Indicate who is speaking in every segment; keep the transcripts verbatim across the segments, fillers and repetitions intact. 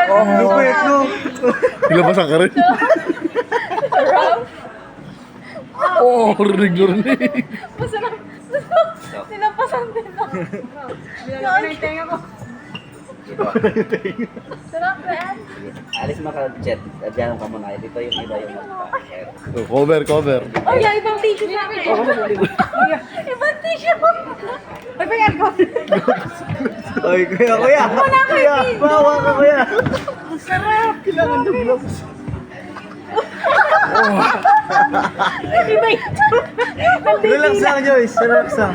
Speaker 1: Lupit, no?
Speaker 2: Nilabasan ka rin. Oo, oh, rinig na rinig.
Speaker 3: Masarap. Sinapasan din ako. Binala ko na yung tenga ko. Sarap na yan.
Speaker 4: Alis mo ka, Jet. Diyan ka muna. Dito yung iba yung mag-share.
Speaker 2: Oh, cover, cover.
Speaker 3: Oh, yeah, ibang tissue sa akin. Ibang tissue. Ay, ba yan ko?
Speaker 1: Oy, kuya, kuya.
Speaker 3: Wala ko
Speaker 1: Kuya,
Speaker 3: yung
Speaker 1: bawa ka, kuya.
Speaker 3: Ang sarap.
Speaker 1: Kailangan ng gloves.
Speaker 3: Iba ito.
Speaker 1: Relax lang, Joyce. Relax lang.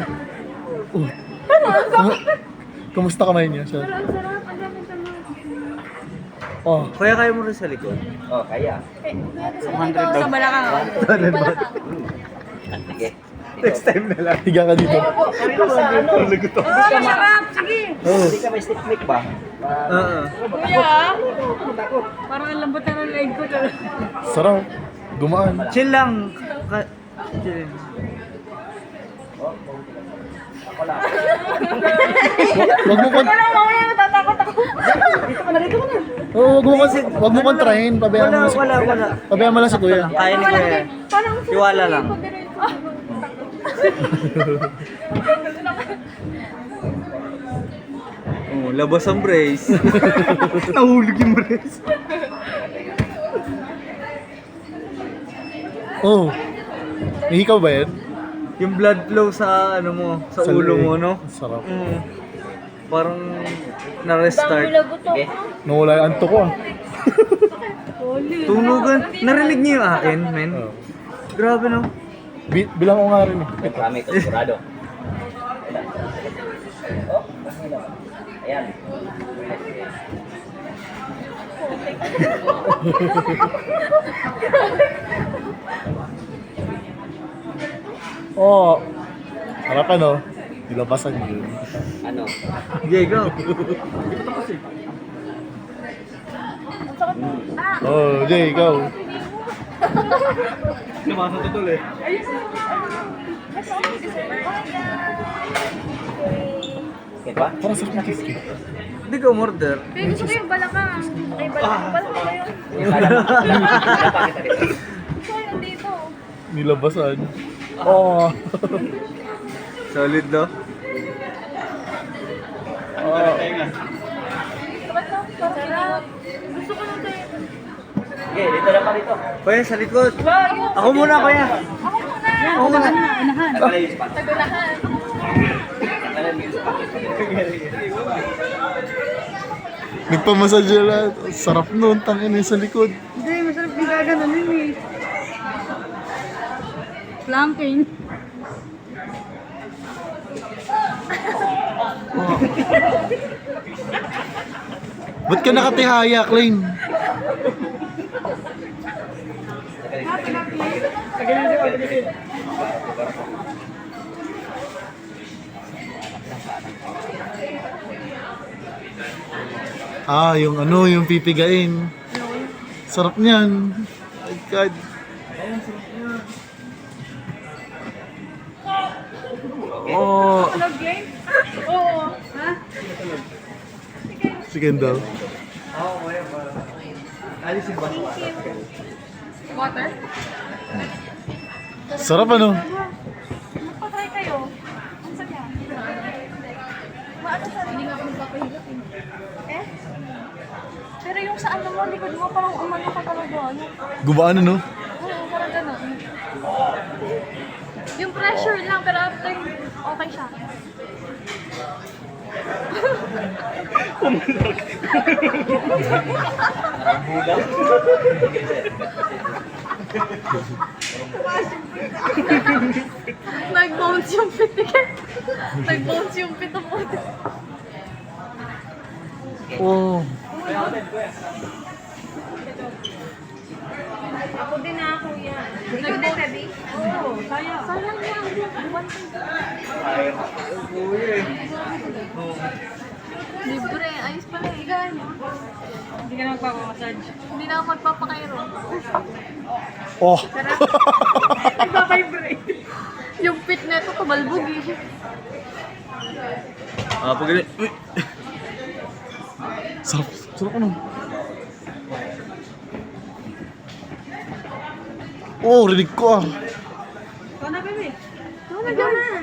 Speaker 2: Kumu- Kumusta kamay niya, sir?
Speaker 3: Ang sarap. Ang dami sa mga.
Speaker 2: Oh,
Speaker 1: Kuya, kaya mo rin sa likod.
Speaker 4: Oh, kaya.
Speaker 3: Sa balakang. Balakang.
Speaker 4: Sige.
Speaker 1: Next time na lang.
Speaker 2: higa ka dito.
Speaker 3: Oh, masarap. Sige.
Speaker 2: Oh,
Speaker 4: Hindi ka may stick mic ba?
Speaker 1: Oo.
Speaker 3: Kuya. Parang ang lambot na ng leg ko.
Speaker 2: sarap. Gumaan.
Speaker 1: Chill lang. Ka- Chill.
Speaker 4: Ako lang.
Speaker 2: Wag mo kon
Speaker 3: Wala, mamaya natatakot ako.
Speaker 2: Oh, wag mo kon wag mo kontrahin, pabayaan mo
Speaker 1: Wala,
Speaker 2: lang si
Speaker 1: wala, wala.
Speaker 2: Pabayaan mo lang si kuya.
Speaker 1: Kaya ni kuya.
Speaker 3: Parang
Speaker 1: Tiwala lang. Oh, labas ang brace. Nahulog yung brace.
Speaker 2: Oh. May hikaw ba yan?
Speaker 1: Yung blood flow sa ano mo, sa, ulo
Speaker 2: leeg.
Speaker 1: mo, no?
Speaker 2: Sarap.
Speaker 1: Mm. Parang na-restart.
Speaker 4: Sige.
Speaker 2: Nawala yung anto ko ah.
Speaker 1: Tunugan. Narinig niyo yung akin, men?
Speaker 2: Oh.
Speaker 1: Grabe, no?
Speaker 2: Bi- bilang ko nga rin eh.
Speaker 4: Marami ito, sigurado. Oh, ayan.
Speaker 2: Oh. Sarap ano? Nilabasan yun.
Speaker 4: Ano?
Speaker 1: Okay, go.
Speaker 2: Oh, Jay, ikaw.
Speaker 1: Lumasa to tuloy.
Speaker 4: Okay ba?
Speaker 2: Parang sarap ng cheesecake.
Speaker 1: Hindi ka umorder.
Speaker 3: Pero gusto ko yung balakang. Ay, balakang. Balakang ba yun?
Speaker 4: Yung kala mo. Napakita dito.
Speaker 3: Gusto ko yung dito.
Speaker 2: Nilabasan. Oh.
Speaker 1: Solid, no?
Speaker 2: Oh.
Speaker 3: Sarap. Gusto ko nung tayo.
Speaker 4: Okay, dito na pa dito.
Speaker 1: Kuya, sa likod. Ako muna, kuya.
Speaker 3: Ako muna.
Speaker 1: Ako muna.
Speaker 4: Nagkala yung spot.
Speaker 3: Tagunahan.
Speaker 4: Nagkala yung spot.
Speaker 2: Nagpamassage na lahat. Sarap nun, tangin sa likod.
Speaker 3: Hindi, masarap yung gaganon yun eh. Flanking.
Speaker 2: Oh. Ba't ka nakatihaya, Klein? Ah, yung ano, yung pipigain. Sarap niyan. My God. Oh,
Speaker 3: Tulog game? Oo. Ha?
Speaker 2: sige daw.
Speaker 1: Oo, kuya, para. Alisin ba?
Speaker 3: Water?
Speaker 2: Sarap ano?
Speaker 3: Magpatry kayo. Ang saya. Maano sa hindi nga ako nagpapahilap eh. Eh? Pero yung sa ano mo, likod mo, parang umano ka talaga. Ano?
Speaker 2: Gumaan ano?
Speaker 3: Oo, parang gano'n. Yung pressure lang, pero after, okay siya. Nag-bounce yung pit eh. Nag-bounce yung pit ako.
Speaker 2: Oh.
Speaker 3: Ako din na, kuya. Nag-bounce heavy? Oo, kaya. Sayang yan.
Speaker 1: Kuya, eh.
Speaker 3: Libre, ayos pala eh. Gano? Hindi ka na magpapamassage. Hindi na ako magpapakairo.
Speaker 2: Oh.
Speaker 3: Nagpapavibrate. Yung pit na ito, tumalbog eh.
Speaker 1: Ah, pag Uy!
Speaker 2: Sarap. Sarap ano? Oh, rinig ko ah.
Speaker 3: Ikaw na, bebe. Ikaw na, ikaw na.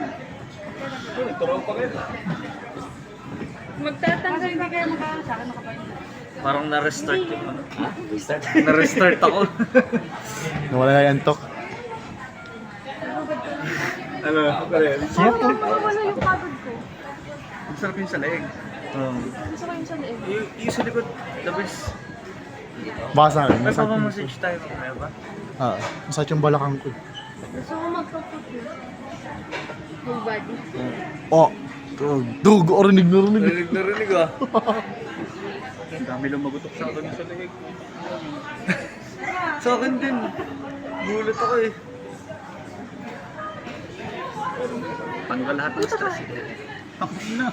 Speaker 3: Magtatanggal, hindi kayo magkakaroon sa akin, nakapain.
Speaker 1: Parang na-restart yung ano.
Speaker 4: Ha? Restart?
Speaker 1: Na-restart ako.
Speaker 2: Nawala na yung antok.
Speaker 1: ano? Pare,
Speaker 3: Parang mawawala yung pagod ko.
Speaker 1: ang sarap yung sa leeg. Oo.
Speaker 3: Gusto ko yung sa leeg.
Speaker 1: Yung, yung sa likod, the best.
Speaker 2: Baka sa akin.
Speaker 1: May
Speaker 2: Masakit yung-
Speaker 1: papamassage tayo mamaya ba?
Speaker 2: Ah, masakit yung balakang ko.
Speaker 3: Gusto ko magpa-put yun. Full body.
Speaker 2: Oh, dugo, oh, rinig na rinig.
Speaker 1: Narinig na rinig ah. Ang dami lang magutok sa akin sa leeg. Sa akin din. Gulat ako eh. Tanggal lahat ng stress. Ang na.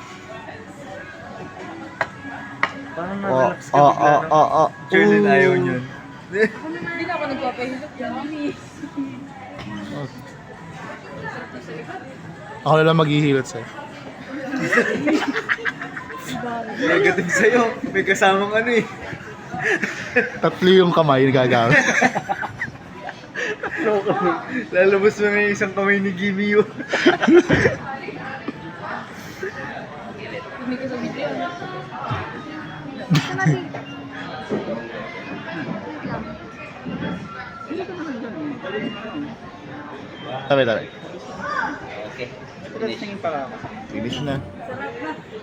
Speaker 1: Parang
Speaker 2: Oh,
Speaker 1: na-relax ka
Speaker 2: oh,
Speaker 1: bigla,
Speaker 2: oh,
Speaker 1: no?
Speaker 2: oh, oh.
Speaker 1: Charlene, ayaw niyan.
Speaker 3: Hindi na ako nagpapahilot yan, mami.
Speaker 2: Ako na lang maghihilot sa'yo.
Speaker 1: Negative sa'yo. May kasamang ano eh.
Speaker 2: Tatlo yung kamay na gagamit.
Speaker 1: Lalabas mo na yung isang kamay ni Gimme yun.
Speaker 3: Hindi ko sa video. Gusto natin.
Speaker 2: Tabi, tabi.
Speaker 4: Okay.
Speaker 1: Tingin pa ako.
Speaker 2: Finish na.
Speaker 3: Sarap na.